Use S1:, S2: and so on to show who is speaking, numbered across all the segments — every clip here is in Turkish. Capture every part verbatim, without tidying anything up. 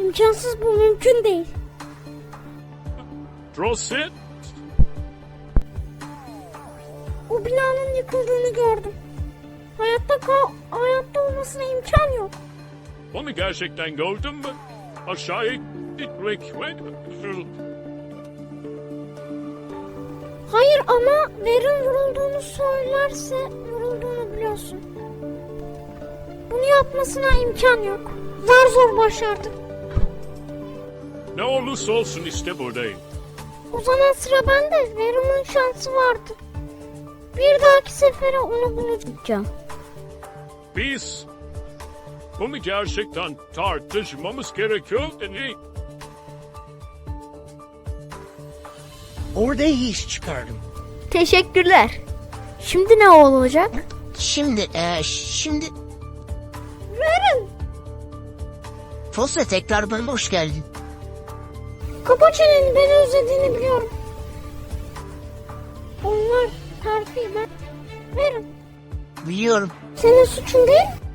S1: İmkansız, bu mümkün değil.
S2: Drosset?
S1: O binanın yıkıldığını gördüm. Hayatta kal, hayatta olmasına imkan yok.
S2: Onu gerçekten gördün mü? Aşağıya gitmek.
S1: Hayır ama Verin vurulduğunu söylerse vurulduğunu biliyorsun. Bunu yapmasına imkan yok. Zar zor başardık.
S2: Ne olursa olsun işte buradayım.
S1: O zaman sıra bende. Verin'in şansı vardı. Bir dahaki sefere onu bulacağım.
S2: Biz bunu gerçekten tartışmamız gerekiyor dedi.
S3: Orada iyi iş çıkardım.
S1: Teşekkürler. Şimdi ne olacak?
S3: Şimdi, e, şimdi...
S1: Verin.
S3: Fosle tekrar bana hoş geldin.
S1: Kapa çeneni, beni özlediğini biliyorum. Onlar terfi, ben... Verin.
S3: Biliyorum.
S1: Senin suçun değil mi?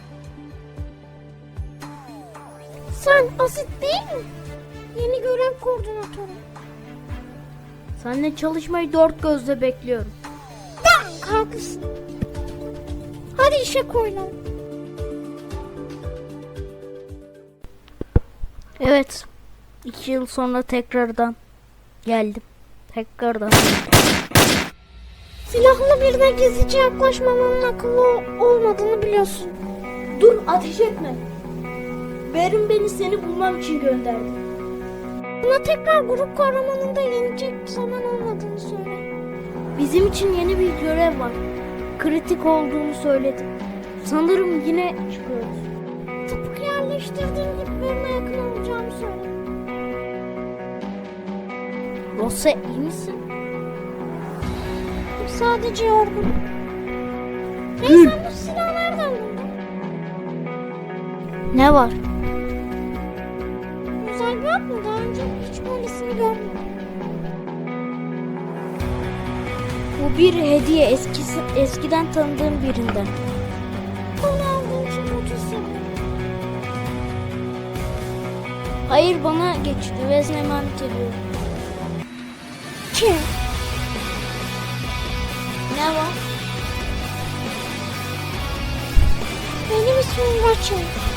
S1: Sen Asit değil mi? Yeni görev koordinatörü.
S4: Seninle çalışmayı dört gözle bekliyorum.
S1: Ben haklısın. Hadi işe koyulalım.
S4: Evet. İki yıl sonra tekrardan geldim. Tekrardan.
S1: Silahlı birine gizlice yaklaşmamanın akıllı olmadığını biliyorsun.
S4: Dur, ateş etme. Berin beni seni bulmam için gönderdi.
S1: Buna tekrar grup kahramanında yenecek zaman olmadığını söyle.
S4: Bizim için yeni bir görev var. Kritik olduğunu söyledi. Sanırım yine çıkıyoruz.
S1: Tıpkı yerleştirdiğin gibi birine yakın olacağımı söyle.
S4: Rosa, iyi misin?
S1: Sadece yorgun. Hey, sen bu silahı nereden buldun?
S4: Ne var?
S1: Özel bir at mı? Daha önce hiç böylesini görmedim.
S4: Bu bir hediye, eskisi, eskiden tanıdığım birinden.
S1: Bunu aldığın için mutlu hissediyorum.
S4: Hayır, bana geçti ve sana emanet ediyorum.
S1: Kim?
S4: Ne var?
S1: Benim ismim Rachel.